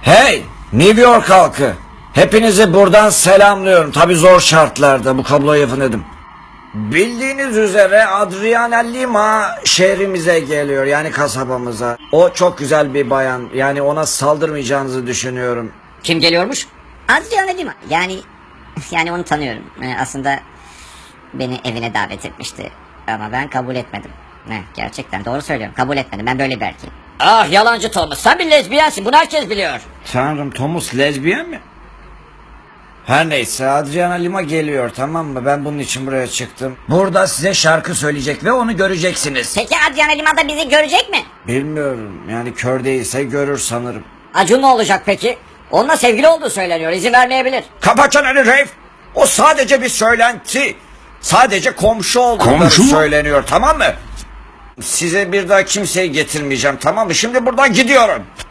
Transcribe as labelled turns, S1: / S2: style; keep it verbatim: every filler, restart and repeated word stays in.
S1: Hey, New York halkı. Hepinizi buradan selamlıyorum. Tabi zor şartlarda bu kabloyu yapın dedim. Bildiğiniz üzere Adriana Lima şehrimize geliyor, yani kasabamıza. O çok güzel bir bayan, yani ona saldırmayacağınızı düşünüyorum.
S2: Kim geliyormuş?
S3: Adriana Lima. Yani yani onu tanıyorum. Ee, aslında beni evine davet etmişti. Ama ben kabul etmedim. Ne, gerçekten doğru söylüyorum. Kabul etmedim. Ben böyle bir erkeğim.
S2: Ah yalancı Thomas, sen bir lezbiyensin, bunu herkes biliyor.
S1: Tanrım, Thomas lezbiyen mi? Her neyse, Adriana Lima geliyor, tamam mı? Ben bunun için buraya çıktım. Burada size şarkı söyleyecek ve onu göreceksiniz.
S3: Peki Adriana Lima da bizi görecek mi?
S1: Bilmiyorum, yani kör değilse görür sanırım.
S2: Acun ne olacak peki? Onunla sevgili olduğu söyleniyor, izin vermeyebilir.
S1: Kapa çeneni Reif! O sadece bir söylenti. Sadece komşu oldukları
S4: Komşu mu?
S1: söyleniyor, tamam mı? Size bir daha kimseyi getirmeyeceğim, tamam mı? Şimdi buradan gidiyorum.